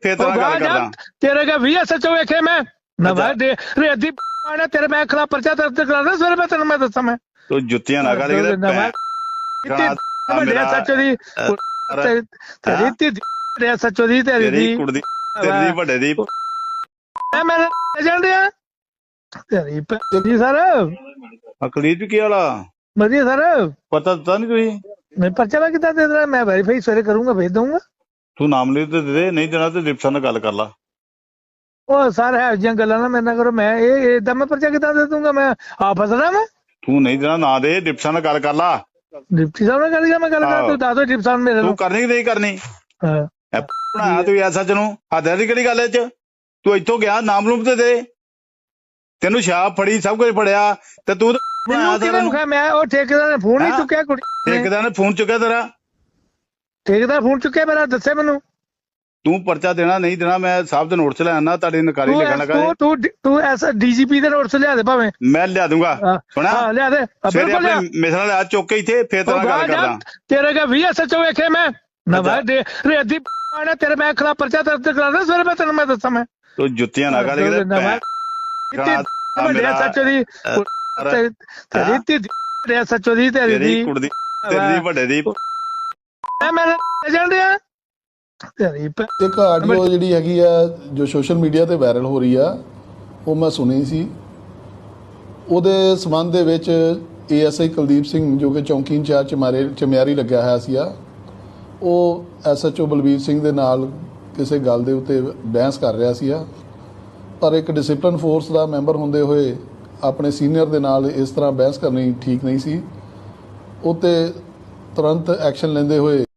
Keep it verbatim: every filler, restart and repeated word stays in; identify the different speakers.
Speaker 1: ਫੇਰ ਤੇਰਾ ਗੱਲ ਕਰਦਾ
Speaker 2: ਤੇਰੇ ਕੇ ਵੀ ਐਸ ਐਚ ਓ ਵੇਖੇ ਮੈਂ ਨਵਾਂ ਦੇ ਰੇਦੀ ਆਣਾ ਤੇਰੇ ਮੈਂ ਖਿਲਾਫ ਪਰਚਾ ਦਰਜ ਕਰਾਣਾ ਸਵੇਰੇ ਮੈਂ ਤੈਨੂੰ ਮੈਂ ਦੱਸਾਂ ਮੈਂ
Speaker 1: ਤੂੰ ਜੁੱਤੀਆਂ ਨਾ ਕੱਢ ਕੇ
Speaker 2: ਵੱਡੇ ਐਸ ਐਚ ਓ ਦੀ ਤੇਰੀ ਤੇਰੀ ਐਸ ਐਚ ਓ ਦੀ ਤੇਰੀ
Speaker 1: ਤੇਰੀ ਕੁੜੀ ਦੀ ਤੇਰੀ ਦੀ ਵੱਡੇ ਦੀ
Speaker 2: ਮੈਂ ਮੈਂ ਜਾਣ ਰਿਹਾ ਤੇਰੀ ਜੀ ਸਰ
Speaker 1: ਅਕਲੀਤ ਵੀ ਕੀ ਵਾਲਾ
Speaker 2: ਵਧੀਆ ਸਰ
Speaker 1: ਪਤਾ ਦਿੱਤਾ ਨਹੀਂ ਤੁਸੀਂ
Speaker 2: ਮੈਂ ਪਰਚਾ ਮੈਂ ਕਿੱਦਾਂ ਦੇ ਦੇਣਾ ਮੈਂ ਵੈਰੀਫਾਈ ਸਵੇਰੇ ਕਰੂੰਗਾ ਭੇਜ ਦਊਂਗਾ
Speaker 1: ਤੂੰ ਨਾਮ ਲਿਖ ਤੇ ਦੇ ਦੇ ਨਹੀਂ ਦੇਣਾ ਤੇ ਡਿਪਟੀ ਨਾਲ ਗੱਲ ਕਰ ਲਾ
Speaker 2: ਉਹ ਸਰ ਹੈ ਜਿਹੀਆਂ ਗੱਲਾਂ ਨਾ ਮੇਰੇ ਨਾਲ ਕਰੋ ਮੈਂ ਇਹ ਏਦਾਂ ਮੈਂ ਪਰਚਾ ਕਿੱਦਾਂ ਦੇ ਦੂੰਗਾ ਮੈਂ ਆ ਫਸਣਾ ਮੈਂ
Speaker 1: ਤੂੰ ਨਹੀਂ ਦੇਣਾ ਨਾ ਦੇ ਡਿਪਟੀ ਨਾਲ ਗੱਲ ਕਰ ਲਾ
Speaker 2: ਡਿਪਟੀ ਸਾਹਿਬ ਨਾਲ ਗੱਲ ਕਰ ਮੈਂ ਗੱਲ ਕਰ ਤੂੰ ਦੱਸ ਦੋ ਡਿਪਟੀ ਸਾਹਿਬ ਮੇਰੇ
Speaker 1: ਤੂੰ
Speaker 2: ਨੂੰ
Speaker 1: ਕਰਨੀ ਕਿ ਨਹੀਂ ਕਰਨੀ
Speaker 2: ਹਾਂ
Speaker 1: ਬਣਾਇਆ ਤੂੰ ਐਸਾ ਚ ਨੂੰ ਹੱਦਾਂ ਦੀ ਕਿਹੜੀ ਗੱਲ ਇਹ ਚ ਤੂੰ ਇੱਥੋਂ ਗਿਆ ਨਾਮ ਲੂਮ ਤੇ ਦੇ ਤੈਨੂੰ ਸ਼ਾਪ ਫੜੀ ਸਭ ਕੁਝ ਫੜਿਆ ਤੇ ਤੂੰ
Speaker 2: ਮੈਂ ਉਹ ਠੇਕੇਦਾਰ ਨੇ ਫੋਨ ਨਹੀਂ ਚੁੱਕਿਆ ਕੁੜੀ
Speaker 1: ਠੇਕੇਦਾਰ ਨੇ ਫੋਨ ਚੁੱਕਿਆ ਤੇਰਾ
Speaker 2: ਠੇਕੇਦਾਰ ਫੋਨ ਚੁੱਕਿਆ ਮੇਰਾ ਦੱਸੇ ਮੈਨੂੰ
Speaker 1: ਤੂੰ ਪਰਚਾ ਦੇਣਾ ਨਹੀਂ ਦੇਣਾ ਮੈਂ ਸਾਹਿਬ ਦੇ ਨੋਟ ਚ ਲੈ ਆਣਾ ਤੁਹਾਡੀ ਨਕਾਰੀ ਲਿਖਣ ਲੱਗਾ
Speaker 2: ਤੂੰ ਤੂੰ ਤੂੰ ਐਸਾ ਡੀਜੀਪੀ ਦੇ ਨੋਟ ਚ ਲਿਆ ਦੇ ਭਾਵੇਂ
Speaker 1: ਮੈਂ ਲਿਆ ਦੂੰਗਾ ਸੁਣਾ
Speaker 2: ਹਾਂ ਲਿਆ ਦੇ
Speaker 1: ਸਵੇਰੇ ਆਪਣੇ ਮਿਸਰਾਂ ਲਿਆ ਚੁੱਕ ਕੇ ਇੱਥੇ ਫੇਰ ਤੇਰਾ ਗੱਲ ਕਰਦਾ
Speaker 2: ਤੇਰੇ ਕੇ ਵੀ ਐਸ ਐਚ ਓ ਵੇਖੇ ਮੈਂ ਨਵਾਂ ਦੇ ਰੇਦੀ ਆਣਾ ਤੇਰੇ ਮੈਂ ਖਿਲਾਫ ਪਰਚਾ ਦਰਜ ਕਰਾਣਾ ਸਵੇਰੇ ਮੈਂ ਤੈਨੂੰ ਮੈਂ ਦੱਸਾਂ ਮੈਂ
Speaker 1: ਤੂੰ ਜੁੱਤੀਆਂ ਨਾ ਕੱਢ ਕੇ
Speaker 2: ਵੱਡੇ ਐਸ ਐਚ ਓ ਦੀ ਤੇਰੀ ਤੇਰੀ ਐਸ ਐਚ ਓ ਦੀ ਤੇਰੀ
Speaker 1: ਤੇਰੀ ਕੁੜੀ ਦੀ ਤੇਰੀ ਦੀ ਵੱਡੇ ਦੀ
Speaker 2: ਮੈਂ ਮੈਂ ਜਾਣ ਰਿਹਾ ਤੇਰੀ
Speaker 3: ਇੱਕ ਆਡੀਓ ਜਿਹੜੀ ਹੈਗੀ ਆ ਜੋ ਸੋਸ਼ਲ ਮੀਡੀਆ ਤੇ ਵਾਇਰਲ ਹੋ ਰਹੀ ਆ ਉਹ ਮੈਂ ਸੁਣੀ ਸੀ ਉਹਦੇ ਸੰਬੰਧ ਦੇ ਵਿੱਚ A S I Kuldeep Singh ਜੋ ਕਿ ਚੌਂਕੀ ਇੰਚਾਰਜ ਚਮਾਰੇ ਚਮਿਆਰੀ ਲੱਗਿਆ ਹੋਇਆ ਸੀ ਆ ਉਹ S H O Balbir Singh ਦੇ ਨਾਲ ਕਿਸੇ ਗੱਲ ਦੇ ਉੱਤੇ ਬਹਿਸ ਕਰ ਰਿਹਾ ਸੀ ਆ ਪਰ ਇੱਕ ਡਿਸਪਲਿਨ ਫੋਰਸ ਦਾ ਮੈਂਬਰ ਹੁੰਦੇ ਹੋਏ ਆਪਣੇ ਸੀਨੀਅਰ ਦੇ ਨਾਲ ਇਸ ਤਰ੍ਹਾਂ ਬਹਿਸ ਕਰਨੀ ਠੀਕ ਨਹੀਂ ਸੀ ਉਹ 'ਤੇ ਤੁਰੰਤ ਐਕਸ਼ਨ ਲੈਂਦੇ ਹੋਏ